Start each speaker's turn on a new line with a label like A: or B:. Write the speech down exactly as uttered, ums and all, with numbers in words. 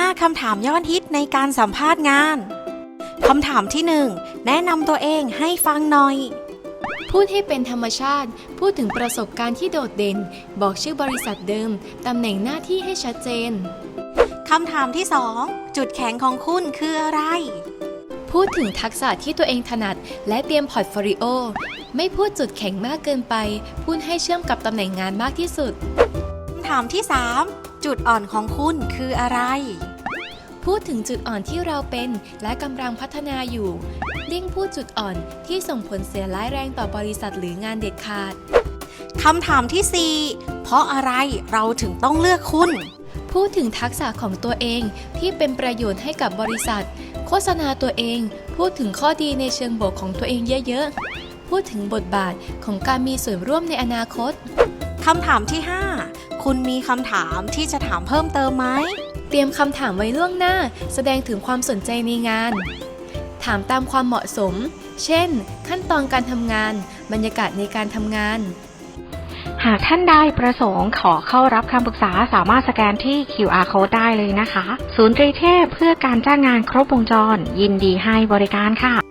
A: คำถามยอดฮิตในการสัมภาษณ์งานคำถามที่หนึ่งแนะนำตัวเองให้ฟังหน่อย
B: พูดให้เป็นธรรมชาติพูดถึงประสบการณ์ที่โดดเด่นบอกชื่อบริษัทเดิมตำแหน่งหน้าที่ให้ชัดเจน
A: คำถามที่สองจุดแข็งของคุณคืออะไร
B: พูดถึงทักษะที่ตัวเองถนัดและเตรียมพอร์ตโฟลิโอไม่พูดจุดแข็งมากเกินไปพูดให้เชื่อมกับตำแหน่งงานมากที่สุด
A: คำถามที่สามจุดอ่อนของคุณคืออะไร
B: พูดถึงจุดอ่อนที่เราเป็นและกำลังพัฒนาอยู่เลี่ยงพูดจุดอ่อนที่ส่งผลเสียร้ายแรงต่อบริษัทหรืองานเด็ดขาด
A: คำถามที่สี่เพราะอะไรเราถึงต้องเลือกคุณ
B: พูดถึงทักษะของตัวเองที่เป็นประโยชน์ให้กับบริษัทโฆษณาตัวเองพูดถึงข้อดีในเชิงบวกของตัวเองเยอะๆพูดถึงบทบาทของการมีส่วนร่วมในอนาคต
A: คำถามที่ห้าคุณมีคำถามที่จะถามเพิ่มเติมไหม
B: เตรียมคำถามไว้ล่วงหน้าแสดงถึงความสนใจในงานถามตามความเหมาะสมเช่นขั้นตอนการทำงานบรรยากาศในการทำงาน
C: หากท่านใดประสงค์ขอเข้ารับคำปรึกษาสามารถสแกนที่ คิว อาร์ Code ได้เลยนะคะศูนย์ตรีเทพเพื่อการจ้างงานครบวงจรยินดีให้บริการค่ะ